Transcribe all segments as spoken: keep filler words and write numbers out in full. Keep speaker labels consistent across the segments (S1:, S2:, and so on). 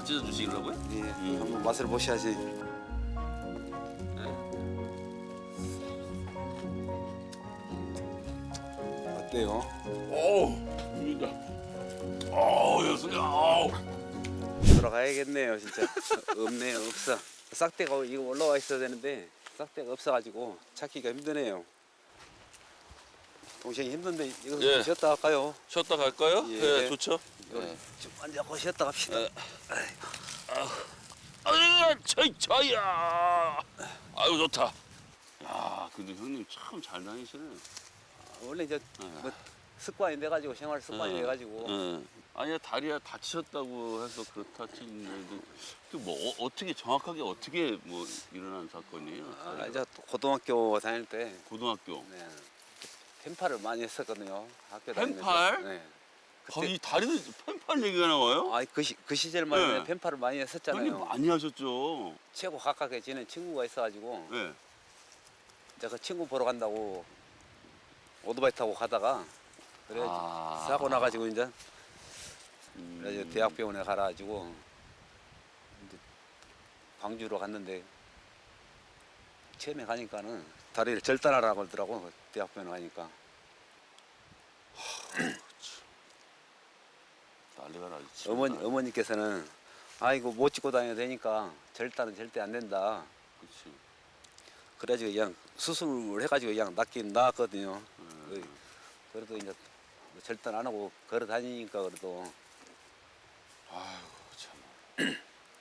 S1: 찢어주시려고요?
S2: 예,
S1: 음.
S2: 한번 맛을 보셔야지.
S1: 네.
S2: 어때요?
S1: 어우, 입니다. 어우, 여수야. 어우.
S2: 돌아가야겠네요, 진짜. 없네요, 없어. 싹대가 이거 올라와 있어야 되는데 싹대가 없어가지고 찾기가 힘드네요. 동생이 힘든데 이거
S1: 예.
S2: 쉬었다 할까요?
S1: 쉬었다 갈까요?
S2: 예.
S1: 예, 좋죠.
S2: 이거
S1: 예.
S2: 좀 앉아고 쉬었다 갑시다.
S1: 예. 아유, 차이 차이야. 아유 좋다. 야, 근데 형님 참 잘 다니시네.
S2: 원래 이제 뭐 습관이 돼가지고 생활 습관이
S1: 예.
S2: 돼가지고
S1: 예. 아니야 다리가 다치셨다고 해서 그렇다 치는데도 뭐 어, 어떻게 정확하게 어떻게 뭐 일어난 사건이에요?
S2: 아, 이제 또 고등학교 다닐 때
S1: 고등학교.
S2: 네, 펜팔을 많이 했었거든요. 학교 다니면서.
S1: 펜팔?
S2: 네.
S1: 아, 이 다리도 펜팔 얘기가 나와요?
S2: 아, 그, 시, 그 시절만 해도
S1: 네.
S2: 펜팔을 많이 했었잖아요.
S1: 형님 많이 하셨죠.
S2: 최고 가깝게 지낸 친구가 있어가지고
S1: 예.
S2: 이제 그 친구 보러 간다고 오토바이 타고 가다가 그래
S1: 아.
S2: 사고 나가지고 이제
S1: 음.
S2: 그래서 대학병원에 가가지고 이제 광주로 갔는데 처음에 가니까는 다리를 절단하라고 그러더라고. 그 대학병원에 가니까.
S1: 난리가 나지.
S2: 어머니 어머니께서는 아이고 못 찍고 다녀도 되니까 절단은 절대 안 된다.
S1: 그렇지.
S2: 그래가지고 그냥 수술을 해가지고 그냥 낫긴 나았거든요.
S1: 음.
S2: 그래도 이제 뭐 절단 안 하고 걸어 다니니까 그래도
S1: 아이고 참.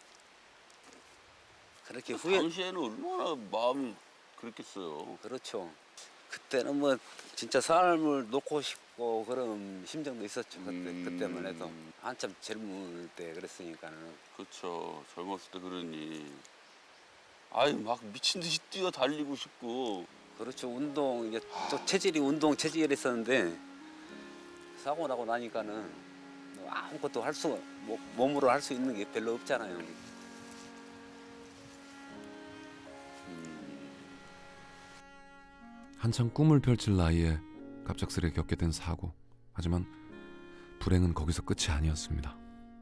S2: 그렇게 후회.
S1: 당시에는 얼마나 마음이 그랬겠어요.
S2: 그렇죠. 그때는 뭐 진짜 삶을 놓고 싶고 그런 심정도 있었죠. 그때
S1: 음.
S2: 그때만 해도 한참 젊을 때 그랬으니까는.
S1: 그렇죠. 젊었을 때 그러니. 아유 막 미친 듯이 뛰어 달리고 싶고.
S2: 그렇죠. 운동 이게 또 체질이 운동 체질이 있었는데 사고 나고 나니까는 뭐 아무것도 할 수 뭐, 몸으로 할 수 있는 게 별로 없잖아요.
S3: 한창 꿈을 펼칠 나이에 갑작스레 겪게 된 사고. 하지만 불행은 거기서 끝이 아니었습니다.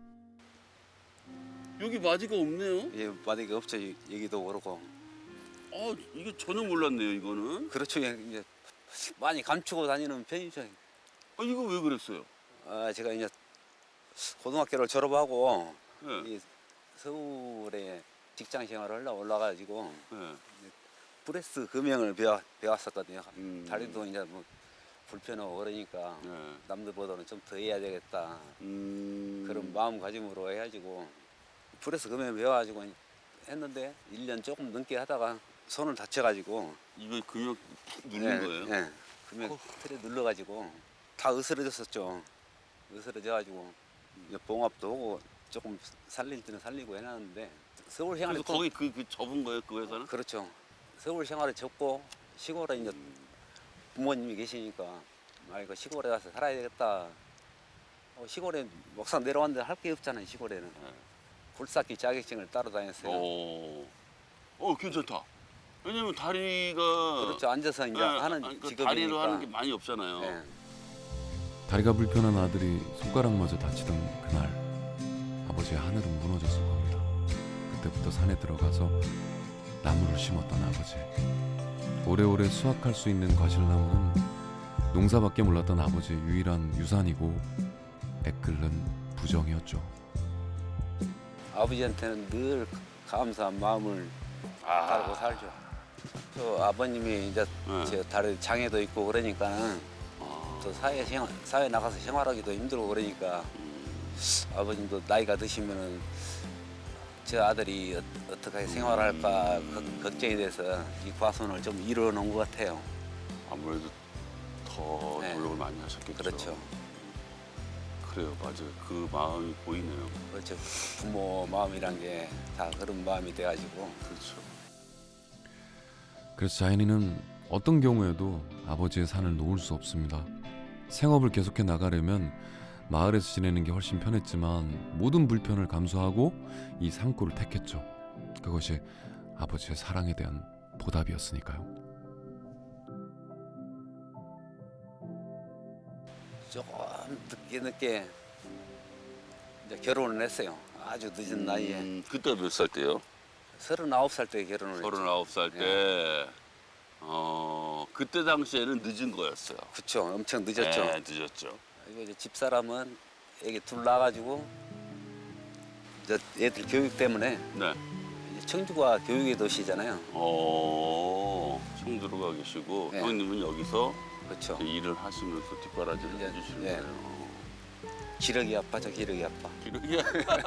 S1: 여기 마디가 없네요.
S2: 예, 만약에 없죠. 이- 얘기도 그렇고.
S1: 아 이게 전혀 몰랐네요 이거는.
S2: 그렇죠. 예, 이제 많이 감추고 다니는 편이죠.
S1: 아 이거 왜 그랬어요?
S2: 아, 제가 이제 고등학교를 졸업하고
S1: 예.
S2: 이 서울에 직장 생활을 하려고 올라가지고
S1: 예.
S2: 프레스 금형을 배워, 배웠었거든요.
S1: 음.
S2: 다리도 이제 뭐 불편하고 그러니까
S1: 예.
S2: 남들보다는 좀 더 해야 되겠다.
S1: 음.
S2: 그런 마음가짐으로 해가지고 프레스 금형 배워가지고 했는데 일 년 조금 넘게 하다가 손을 다쳐가지고
S1: 이거 근육 푹 누른 거예요?
S2: 예, 금형 틀에 눌러가지고 다 으스러졌었죠. 으스러져가지고 이제 봉합도 하고 조금 살릴 때는 살리고 해놨는데 서울 생활에
S1: 그래서 거기 그, 그 접은 거예요 그 회사는?
S2: 그렇죠. 서울 생활에 접고 시골에 이제 부모님이 계시니까 아 이거 시골에 가서 살아야 되겠다. 어, 시골에 막상 내려왔는데 할 게 없잖아요. 시골에는
S1: 네.
S2: 굴삭기 자격증을 따로 다녔어요.
S1: 오. 어 괜찮다. 왜냐면 다리가
S2: 그렇죠. 앉아서 이제
S1: 예,
S2: 하는
S1: 아니, 그
S2: 직업이니까.
S1: 다리로 하는 게 많이 없잖아요.
S2: 예.
S3: 다리가 불편한 아들이 손가락마저 다치던 그날 아버지의 하늘은 무너졌을 겁니다. 그때부터 산에 들어가서 나무를 심었던 아버지. 오래오래 수확할 수 있는 과실나무는 농사밖에 몰랐던 아버지의 유일한 유산이고 애끓는 부정이었죠.
S2: 아버지한테는 늘 감사한 마음을 가지고 살죠. 또 아버님이 이제
S1: 네.
S2: 제 다리 장애도 있고 그러니까는
S1: 아.
S2: 또 사회 생활, 사회 나가서 생활하기도 힘들고 그러니까 아버님도 나이가 드시면은 저 아들이 어, 어떻게 생활할까 걱- 걱정이 돼서 이 과손을 좀 이뤄놓은 것 같아요.
S1: 아무래도 더
S2: 네.
S1: 노력을 많이 하셨겠죠.
S2: 그렇죠.
S1: 그래요, 맞아요. 그 마음이 보이네요.
S2: 그렇죠. 부모 마음이란 게 다 그런 마음이 돼가지고
S1: 그렇죠.
S3: 그래서 자연이는 어떤 경우에도 아버지의 산을 놓을 수 없습니다. 생업을 계속해 나가려면 마을에서 지내는 게 훨씬 편했지만 모든 불편을 감수하고 이 산골을 택했죠. 그것이 아버지의 사랑에 대한 보답이었으니까요.
S2: 조금 늦게 늦게 이제 결혼을 했어요. 아주 늦은 나이에
S1: 음, 그때 몇 살 때요?
S2: 서른아홉 살 때 결혼을 했죠.
S1: 서른아홉 살 때. 어, 그때 당시에는 늦은 거였어요.
S2: 그쵸, 엄청 늦었죠.
S1: 네, 늦었죠.
S2: 이거 이제 집사람은 애기 둘 낳아가지고 저 애들 교육 때문에
S1: 네.
S2: 이제 청주가 교육의 도시잖아요.
S1: 어, 청주로 가 계시고
S2: 네.
S1: 형님은 여기서
S2: 그렇죠.
S1: 일을 하시면서 뒷바라지를
S2: 이제,
S1: 해주시는
S2: 예.
S1: 거예요.
S2: 기력이 아파져 기력이 아파.
S1: 기록이야.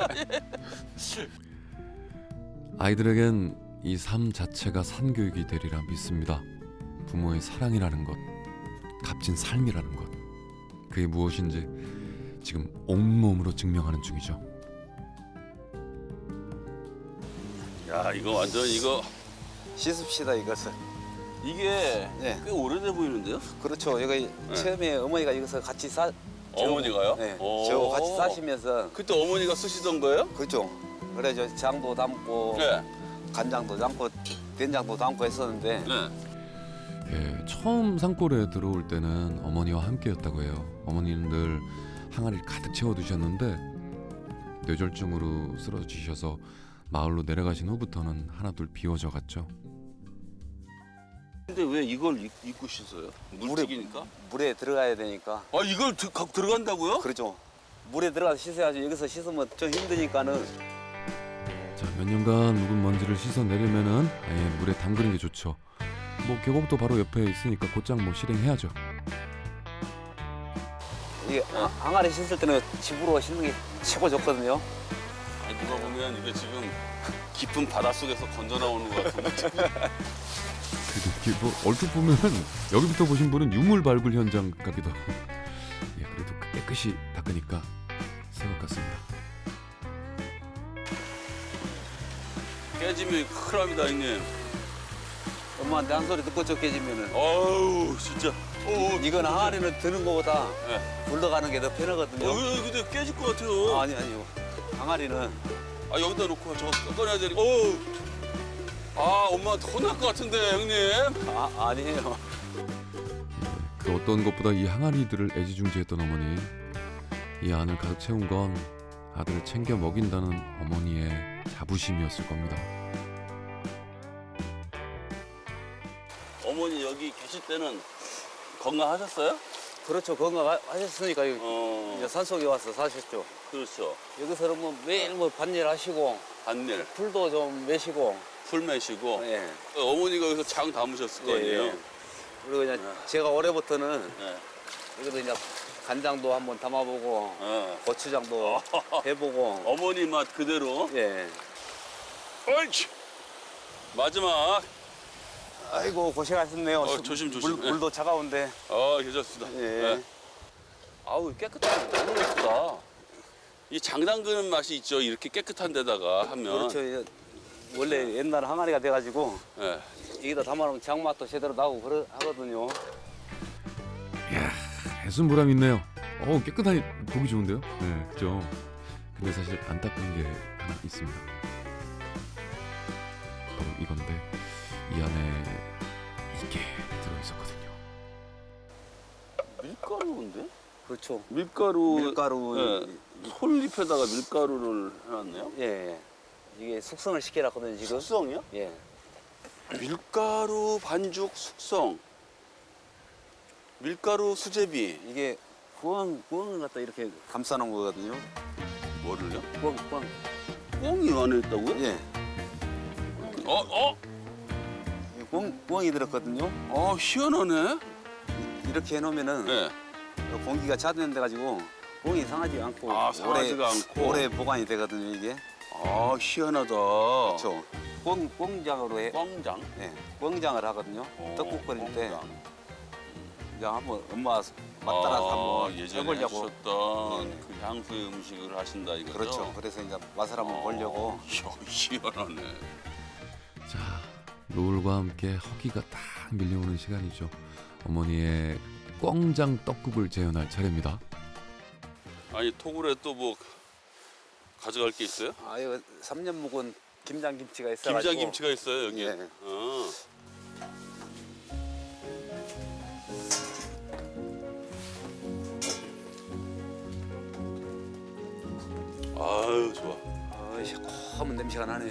S3: 아이들에겐 이 삶 자체가 산교육이 되리라 믿습니다. 부모의 사랑이라는 것, 값진 삶이라는 것, 그게 무엇인지 지금 온몸으로 증명하는 중이죠.
S1: 야, 이거 완전 이거
S2: 씻읍시다 이것을.
S1: 이게
S2: 네.
S1: 꽤 오래돼 보이는데요?
S2: 그렇죠. 여기 처음에 어머니가 여기서 같이 사.
S1: 어머니가요?
S2: 네.
S1: 오.
S2: 저 같이 사시면서
S1: 그때 어머니가 쓰시던 거예요?
S2: 그죠. 그래 저 장도 담고
S1: 네.
S2: 간장도 담고 된장도 담고 했었는데
S1: 네.
S3: 예, 처음 산골에 들어올 때는 어머니와 함께였다고 해요. 어머니는 늘 항아리를 가득 채워두셨는데 뇌졸중으로 쓰러지셔서 마을로 내려가신 후부터는 하나둘 비워져 갔죠.
S1: 근데 왜 이걸 입- 입고 씻어요? 물튀기니까?
S2: 물에 들어가야 되니까.
S1: 아, 이걸 드, 가- 들어간다고요?
S2: 그렇죠. 물에 들어가서 씻어야지. 여기서 씻으면 좀 힘드니까는.
S3: 자, 몇 년간 묵은 먼지를 씻어내려면은 아예 물에 담그는 게 좋죠. 뭐 계곡도 바로 옆에 있으니까 곧장 뭐 실행해야죠.
S2: 이게 아- 항아리 씻을 때는 집으로 씻는 게 최고 좋거든요.
S1: 아니, 누가 보면 이게 지금 깊은 바닷속에서 건져 나오는 것 같은데.
S3: 그래도 이게 뭐 얼핏 보면은 여기부터 보신 분은 유물 발굴 현장 같기도 하고. 예, 그래도 깨끗이 닦으니까 새 것 같습니다.
S1: 깨지면 큰일 납니다, 형님.
S2: 엄마한테 한 소리 듣고 쫓겨지면은.
S1: 아우, 진짜. 어,
S2: 이건 항아리는 드는 것보다
S1: 네.
S2: 굴러가는 게 더 편하거든요.
S1: 어, 근데 깨질 것 같아요.
S2: 아, 아니 아니요. 항아리는
S1: 아, 여기다 놓고 저거 꺼내야 되니까. 어우. 아, 엄마한테 혼날 것 같은데, 형님.
S2: 아, 아니에요.
S3: 그 어떤 것보다 이 항아리들을 애지중지했던 어머니. 이 안을 가득 채운 건 아들을 챙겨 먹인다는 어머니의 자부심이었을 겁니다.
S1: 어머니 여기 계실 때는 건강하셨어요?
S2: 그렇죠. 건강하셨으니까 여기
S1: 어,
S2: 이제 산속에 와서 사셨죠.
S1: 그렇죠.
S2: 여기서는 뭐 매일 뭐 밭일 하시고
S1: 반일,
S2: 풀도 좀 매시고.
S1: 풀 매시고.
S2: 예.
S1: 어머니가 여기서 장 담으셨을 거 아니에요?
S2: 예, 예. 그리고 이제
S1: 네.
S2: 제가 올해부터는
S1: 네.
S2: 여기도 이제 간장도 한번 담아보고
S1: 어.
S2: 고추장도 해보고.
S1: 어머니 맛 그대로.
S2: 예.
S1: 어이치. 마지막.
S2: 아이고 고생하셨네요.
S1: 어, 조심, 조심.
S2: 물, 물도 차가운데.
S1: 아, 괜찮습니다.
S2: 예.
S1: 네. 아우, 깨끗하게 너무 예쁘다. 이 장 담그는 맛이 있죠. 이렇게 깨끗한 데다가 하면.
S2: 그렇죠. 이제 원래 옛날 항아리가 돼가지고
S1: 네.
S2: 여기다 담아놓으면 장맛도 제대로 나고 그러 하거든요.
S3: 이야, 해순 보람 있네요. 어, 깨끗하니 보기 좋은데요? 네, 그죠. 근데 사실 안 닦은 게 하나 있습니다. 바로 이건데 이 안에 이게 들어있었거든요.
S1: 밀가루인데?
S2: 그렇죠.
S1: 밀가루.
S2: 밀가루.
S1: 네. 솔잎에다가 밀가루를 해놨네요.
S2: 예, 예. 이게 숙성을 시켜놨거든요 지금.
S1: 숙성이요?
S2: 예.
S1: 밀가루 반죽 숙성. 밀가루 수제비.
S2: 이게 구멍 구멍을 갖다 이렇게 감싸놓은 거거든요.
S1: 뭐를요?
S2: 구멍 구멍.
S1: 꽁이 안에 있다고요?
S2: 예.
S1: 어, 어?
S2: 이 구멍 구멍이 들었거든요.
S1: 아, 희한하네.
S2: 이렇게 해놓으면은
S1: 네.
S2: 공기가 차단돼 가지고 공이 상하지 않고
S1: 아, 상하지가
S2: 오래,
S1: 않고.
S2: 오래 보관이 되거든요 이게.
S1: 아, 희한하다.
S2: 그렇죠. 꽁 꽁장으로 해.
S1: 꽝장.
S2: 예. 꽁장을 하거든요.
S1: 어,
S2: 떡국 끓일 때
S1: 꽝장.
S2: 이제 한번 엄마 맛 따라서
S1: 아,
S2: 한번
S1: 예전에
S2: 해보려고.
S1: 하셨던
S2: 예.
S1: 그 향수의 음식을 하신다 이거죠?
S2: 그렇죠. 그래서 이제 맛을 한번 보려고.
S1: 어, 이야, 희한하네.
S3: 자, 노을과 함께 허기가 딱 밀려오는 시간이죠. 어머니의 꽝장 떡국을 재현할 차례입니다.
S1: 아니, 토굴에 또 뭐 가져갈 게 있어요?
S2: 아 이거 삼 년 묵은 김장김치가 있어가지고.
S1: 김장김치가 있어요, 여기.
S2: 예.
S1: 어. 아유, 좋아.
S2: 어, 새콤한 냄새가 나네요.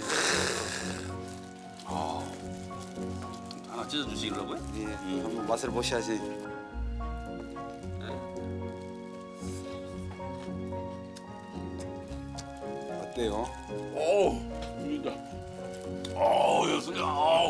S1: 아, 하나 찢어 주시려고요?
S2: 예,
S1: 음.
S2: 한번 맛을 보셔야지.
S1: 네.
S2: 어때요?
S1: 오, 이다. 오, 여수야. 아우.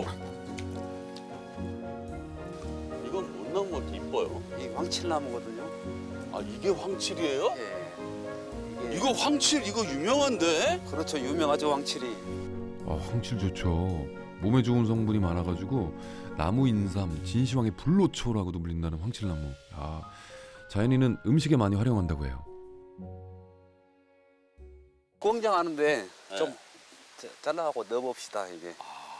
S1: 이건 못 나온 것 같아. 이뻐요.
S2: 이 황칠나무거든요.
S1: 아, 이게 황칠이에요?
S2: 예. 이게
S1: 이거 황칠 이거 유명한데?
S2: 그렇죠. 유명하죠 황칠이.
S3: 아, 황칠 좋죠. 몸에 좋은 성분이 많아가지고 나무 인삼, 진시황의 불로초라고도 불린다는 황칠나무. 아, 자연인은 음식에 많이 활용한다고 해요.
S2: 공장 하는데
S1: 네.
S2: 좀 자- 잘라갖고 넣어봅시다 이게.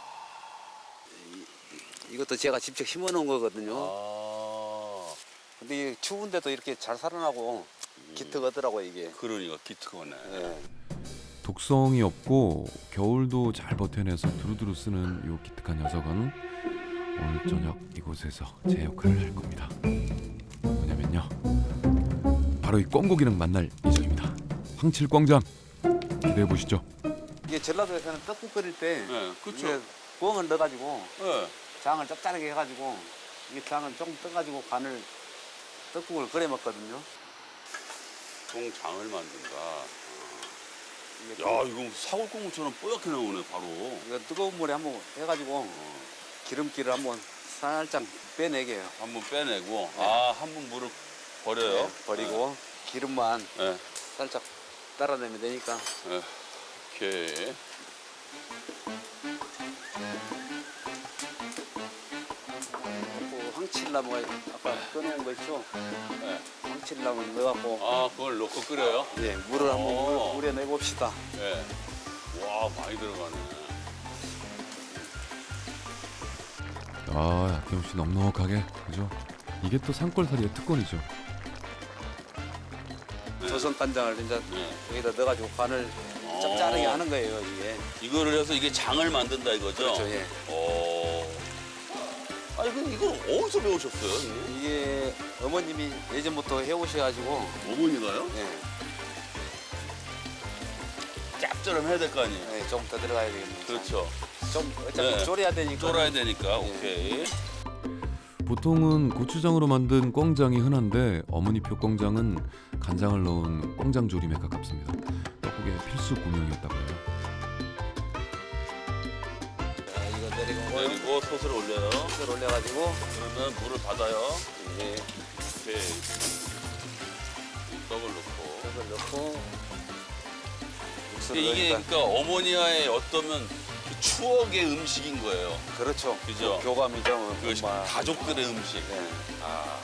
S2: 이, 이것도 제가 직접 심어놓은 거거든요.
S1: 아,
S2: 근데 이게 추운데도 이렇게 잘 살아나고 기특하더라고 이게.
S1: 그러니까 기특하네.
S2: 예.
S3: 독성이 없고 겨울도 잘 버텨내서 두루두루 쓰는 요 기특한 녀석은 오늘 저녁 이곳에서 제 역할을 할 겁니다. 뭐냐면요, 바로 이 꿩고기랑 만날 예정입니다. 황칠광장 기대해 보시죠.
S2: 이게 전라도에서는 떡국 끓일 때
S1: 네, 그렇죠.
S2: 이게 꿩을 넣어가지고
S1: 네.
S2: 장을 짭짤하게 해가지고 이 장을 조금 떠가지고 간을 떡국을 끓여 먹거든요.
S1: 동장을 만든다.
S2: 이게
S1: 야, 이거 사골국물처럼 뽀얗게 나오네 바로.
S2: 이거 뜨거운 물에 한번 해가지고 기름기를 한번 살짝 빼내게 해요.
S1: 한번 빼내고,
S2: 네.
S1: 아, 한 번 물을 버려요.
S2: 네, 버리고 기름만
S1: 네.
S2: 살짝 따라내면 되니까.
S1: 네. 오케이.
S2: 그 황칠나무가 아까 꺼내온 거 있죠?
S1: 네.
S2: 황칠나무 넣어갖고
S1: 아, 그걸 넣고 끓여요?
S2: 예, 물을 한번
S1: 오.
S2: 물- 우려내 봅시다.
S1: 네. 와, 많이 들어가네.
S3: 아, 아낌없이 넉넉하게, 그죠? 이게 또 산골살이의 특권이죠.
S1: 네.
S2: 조선 간장을 이제
S1: 네.
S2: 여기다 넣어가지고 간을 짭짤하게
S1: 어.
S2: 하는 거예요 이게.
S1: 이거를 해서 이게 장을 만든다 이거죠?
S2: 그렇죠. 예.
S1: 오. 아니, 근데 이걸 어디서 배우셨어요? 이게?
S2: 이게 어머님이 예전부터 해오셔가지고
S1: 어머니가요?
S2: 예,
S1: 짭조름 해야 될 거 아니에요?
S2: 예, 좀 더 들어가야 되겠네요.
S1: 그렇죠.
S2: 좀 어차피
S1: 네.
S2: 졸여야 되니까.
S1: 쫄아야 되니까,
S2: 예.
S1: 오케이.
S3: 보통은 고추장으로 만든 꿩장이 흔한데 어머니표 꿩장은 간장을 넣은 꿩장 조림에 가깝습니다. 떡국의 필수 구명이었다고 해요.
S2: 자, 이거 내리고
S1: 그리고 솥을 올려요.
S2: 을 올려가지고
S1: 그러면 물을 받아요.
S2: 예,
S1: 오케이. 이 떡을 넣고.
S2: 이걸 넣고 육수를
S1: 근데 이게
S2: 넣으니까.
S1: 그러니까 어머니와의 어떠면 그 추억의 음식인 거예요.
S2: 그렇죠.
S1: 그죠?
S2: 그 교감이죠.
S1: 그
S2: 정말.
S1: 가족들의 음식.
S2: 예.
S1: 아,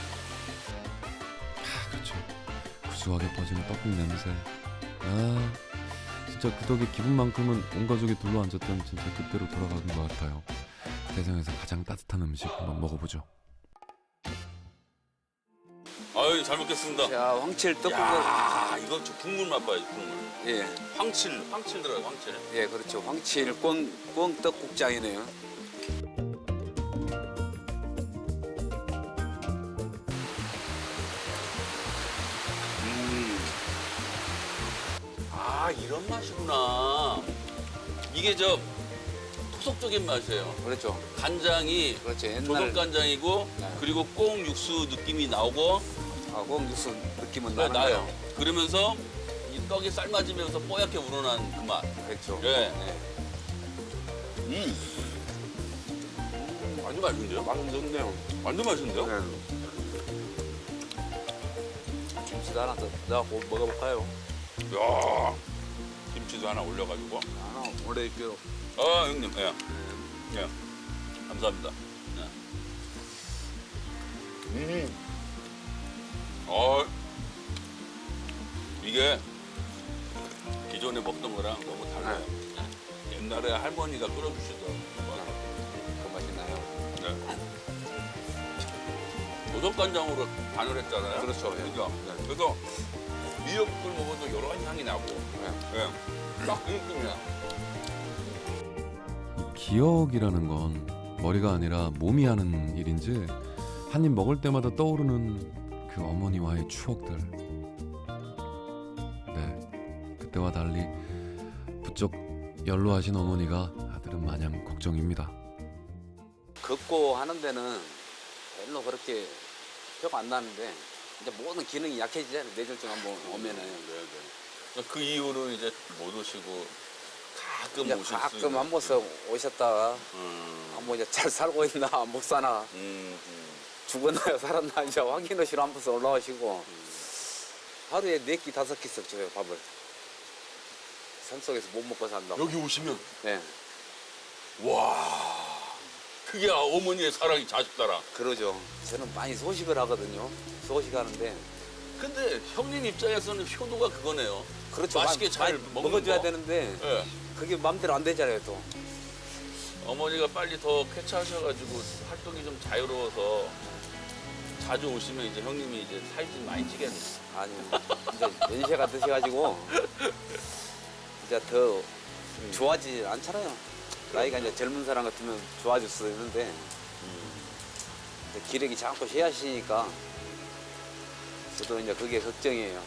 S3: 아, 그렇죠. 구수하게 퍼지는 떡국 냄새. 아, 진짜 그 덕에 기분만큼은 온 가족이 둘러앉았던 진짜 그때로 돌아가는 것 같아요. 세상에서 가장 따뜻한 음식 한번 먹어보죠.
S1: 아유, 잘 먹겠습니다.
S2: 자, 황칠 떡국을
S1: 야, 이거 저 국물 맛봐야지, 국물.
S2: 예,
S1: 황칠, 황칠 들어가요, 황칠.
S2: 예, 그렇죠. 황칠 꿩, 꿩 떡국장이네요.
S1: 음. 아, 이런 맛이구나. 이게 저 토속적인 맛이에요.
S2: 그렇죠.
S1: 간장이
S2: 그렇죠. 옛날
S1: 조선 간장이고
S2: 네.
S1: 그리고 꽁 육수 느낌이 나오고
S2: 아, 꿩 육수 느낌은
S1: 네,
S2: 나는
S1: 나요.
S2: 거예요.
S1: 그러면서 이 떡이 삶아지면서 뽀얗게 우러난 그 맛.
S2: 그렇죠.
S1: 예.
S2: 네.
S1: 음. 아주 맛있는데요?
S2: 맛있네요.
S1: 완전 맛있는데요?
S2: 네. 김치도 하나 더 넣어갖고 먹어볼까요?
S1: 야, 김치도 하나 올려가지고.
S2: 하나 올려줄게요.
S1: 아, 형님, 예. 예. 감사합니다. 예. 음. 어, 이게 기존에 먹던 거랑 너무 달라요. 예. 옛날에 할머니가 끓여주시던
S2: 그 맛이 나요.
S1: 네. 조선간장으로 간을 했잖아요.
S2: 그렇죠. 예.
S1: 그죠? 네. 그래서 미역국을 먹어도 여러 가지 향이 나고. 예. 딱 그 느낌이야.
S3: 이 기억이라는 건 머리가 아니라 몸이 하는 일인지 한 입 먹을 때마다 떠오르는 그 어머니와의 추억들. 네, 그때와 달리 부쩍 연로하신 어머니가 아들은 마냥 걱정입니다.
S2: 걷고 하는 데는 별로 그렇게 표가 안 나는데 이제 모든 기능이 약해지잖아요. 뇌졸중 한번 오면은.
S1: 네, 네. 그 이후로는 이제 못 오시고 가끔
S2: 이제
S1: 오실 수
S2: 가끔
S1: 있는.
S2: 한 번씩 오셨다가
S1: 음.
S2: 아, 뭐 이제 잘 살고 있나 못 사나
S1: 음, 음.
S2: 죽었나 살았나 이제 확인하시러 한 번씩 올라오시고 하루에 네 끼 다섯 끼씩 줘요 밥을. 산속에서 못 먹고 산다고.
S1: 여기 오시면
S2: 네,
S1: 와 그게 어머니의 사랑이 자식 사랑.
S2: 그러죠. 저는 많이 소식을 하거든요. 소식하는데
S1: 근데 형님 입장에서는 효도가 그거네요.
S2: 그렇죠.
S1: 맛있게
S2: 많이-
S1: 잘
S2: 많이
S1: 먹는
S2: 먹어줘야
S1: 거.
S2: 되는데
S1: 예.
S2: 그게 마음대로 안 되잖아요 또.
S1: 어머니가 빨리 더 쾌차하셔가지고 활동이 좀 자유로워서 자주 오시면 이제 형님이 이제 살이 좀 많이 찌겠네.
S2: 아니 이제 연세가 드셔가지고 이제 더 좋아지지 않잖아요. 나이가 이제 젊은 사람 같으면 좋아질 수 있는데 이제 기력이 자꾸 쇠하시니까 저도 이제 그게 걱정이에요.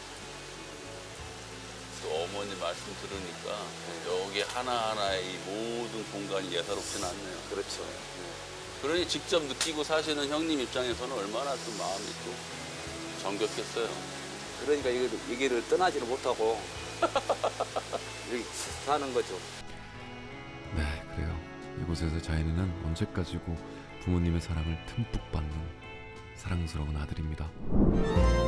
S1: 또 어머니 말씀 들으니까 여기 하나하나의 이 모든 공간이 예사롭진 않네요.
S2: 그렇죠.
S1: 그러니 직접 느끼고 사시는 형님 입장에서는 얼마나 또 마음이 또 정겹겠어요.
S2: 그러니까 이 길을 떠나지를 못하고 여기 사는 거죠.
S3: 네, 그래요. 이곳에서 자연이는 언제까지고 부모님의 사랑을 듬뿍 받는 사랑스러운 아들입니다.